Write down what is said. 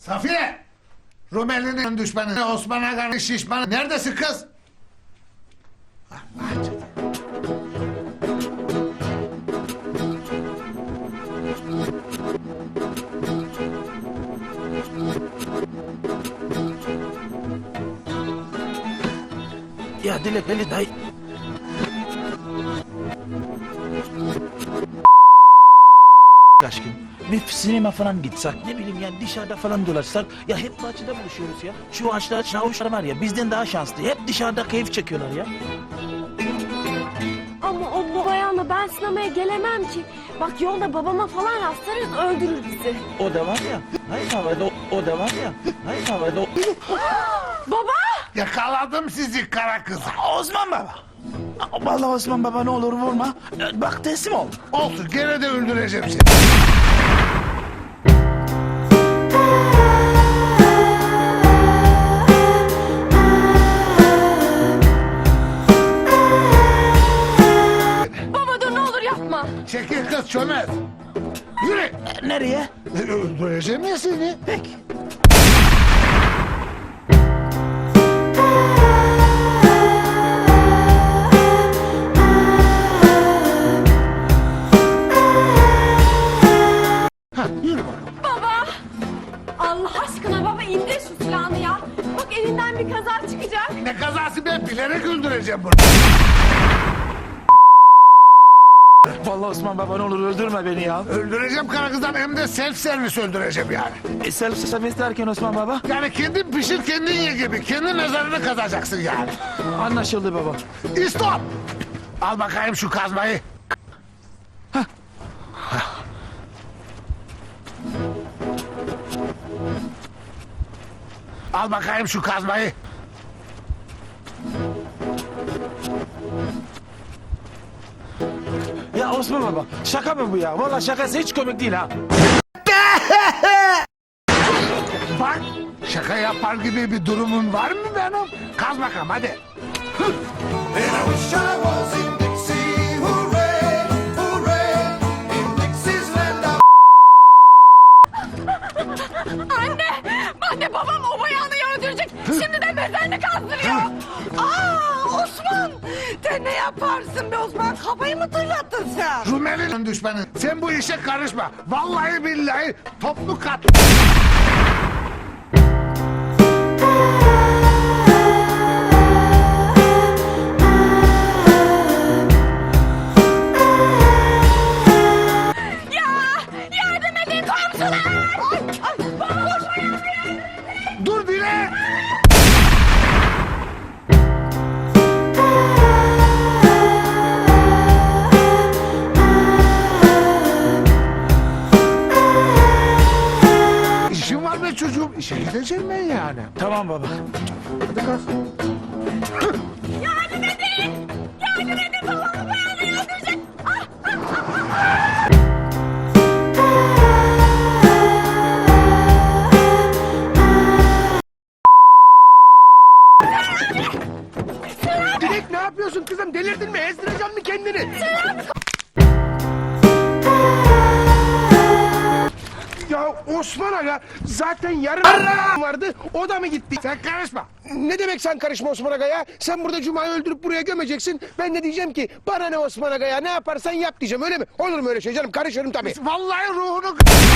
Safiye! Rumeli'nin düşmanı Osman Aga'nın şişmanı. Neredesin kız? Allah canım. Ya Dilek beni dayı. Aşkım bir sinema falan gitsek, ne bileyim yani dışarıda falan dolaşsak. Ya hep bahçede buluşuyoruz ya. Şu ağaçlar çavuşlar var ya, bizden daha şanslı. Hep dışarıda keyif çekiyorlar ya. Ama o bayanla ben sinemaya gelemem ki. Bak yolda babama falan rastlarız, öldürür bizi. O da var ya. Hayır havada o da var ya. Hayır havada Baba! Yakaladım sizi kara kız. Osman baba. Vallahi Osman baba ne olur vurma. Bak teslim ol. Olsun gene de öldüreceğim seni. Baba dur ne olur yapma. Çekil kız çömez. Yürü. Nereye? Öldüreceğim ya seni. Peki. Ha, yürü bakalım. Baba! Allah aşkına baba indir şu silahını ya. Bak elinden bir kaza çıkacak. Ne kazası, ben bilerek öldüreceğim bunu. Vallahi Osman baba ne olur öldürme beni ya. Öldüreceğim kara kızdan, hem de self servis öldüreceğim yani. Self service derken Osman baba. Yani kendin pişir kendin ye gibi. Kendi mezarını kazacaksın yani. Anlaşıldı baba. İstop! Al bakayım şu kazmayı. Al bakayım şu kazmayı. Ya Osman baba şaka mı bu ya? Vallahi şakası hiç komik değil ha. Bak, şaka yapar gibi bir durumun var mı benim? Kaz bakalım hadi. And I wish I was in Dixie, hooray, hooray, in Dixie's land. Anne babam o bayanı öldürecek. Şimdi de mezarını kazdırıyor. Osman! Sen ne yaparsın be Osman? Kafayı mı tırlattın sen? Rumeli'nin düşmanı. Sen bu işe karışma. Vallahi billahi toplu kat. Yardım edin komşular! Dur Dile! İşim var be çocuğum. İşe gideceğim ben yani. Tamam baba. Hadi kalk. Yardım edin! Yardım edin babamı bayanı öldürecek. Dilek ne yapıyorsun kızım? Delirdin mi? Ezdireceksin mi kendini? Ya Osman Aga zaten yarın vardı, o da mı gitti? Sen karışma. Ne demek sen karışma Osman Aga ya? Sen burada Cuma'yı öldürüp buraya gömeceksin. Ben de diyeceğim ki bana ne Osman Aga ya, ne yaparsan yap diyeceğim, öyle mi? Olur mu öyle şey canım? Karışırım tabii. Vallahi ruhunu...